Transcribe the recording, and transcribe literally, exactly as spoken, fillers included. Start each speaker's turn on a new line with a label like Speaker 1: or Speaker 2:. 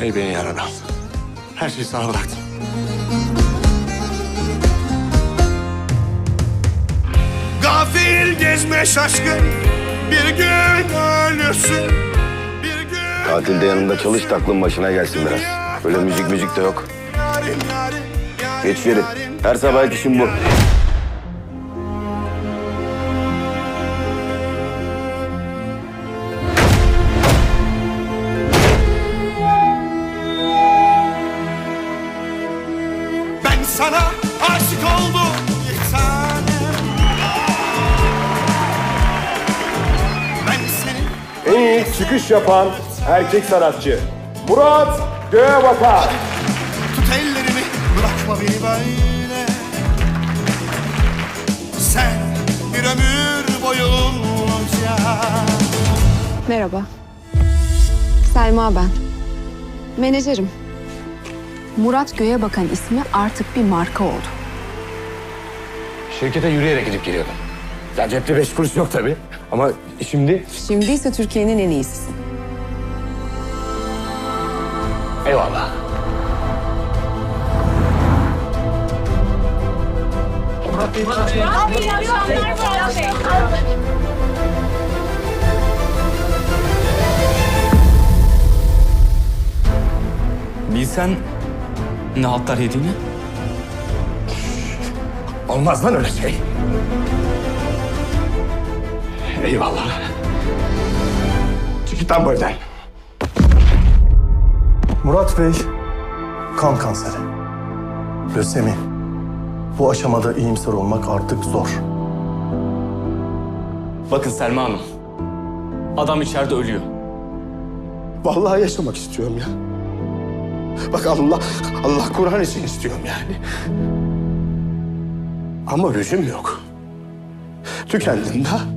Speaker 1: Ey beni yaradan. Her şeyi sana bıraktım. Gafil gezme şaşkın, bir gün ölürsün, bir gün...
Speaker 2: Tatilde yanında çalış da aklın başına gelsin biraz. Böyle müzik müzik de yok.
Speaker 1: Yarim, yarim, yarim,
Speaker 2: Geç geri.
Speaker 1: yarim,
Speaker 2: Her sabah işim bu.
Speaker 1: Ben sana aşık oldum bir tanem. Ben senin...
Speaker 3: En iyi çıkış yapan erkek sanatçı Murat Göğebakan.
Speaker 1: Tut ellerimi, bırakma beni böyle. Sen bir ömür boyunca.
Speaker 4: Merhaba. Selma ben. Menajerim. Murat Göğebakan ismi artık bir marka oldu.
Speaker 5: Şirkete yürüyerek gidip geliyordum. Ya cepte beş kuruş yok tabii. Ama şimdi...
Speaker 4: Şimdi ise Türkiye'nin en iyisisin.
Speaker 5: Eyvallah.
Speaker 6: Bilsen ne hatlar yediğini.
Speaker 5: Olmaz lan öyle şey. Eyvallah. Çık git lan bu evden.
Speaker 7: Murat Bey, kan kanseri. Lösemi. Bu aşamada iyimser olmak artık zor.
Speaker 6: Bakın Selma Hanım. Adam içeride ölüyor.
Speaker 1: Vallahi yaşamak istiyorum ya. Bak Allah, Allah Kur'an için istiyorum yani. Ama lüzum yok. Tükendim de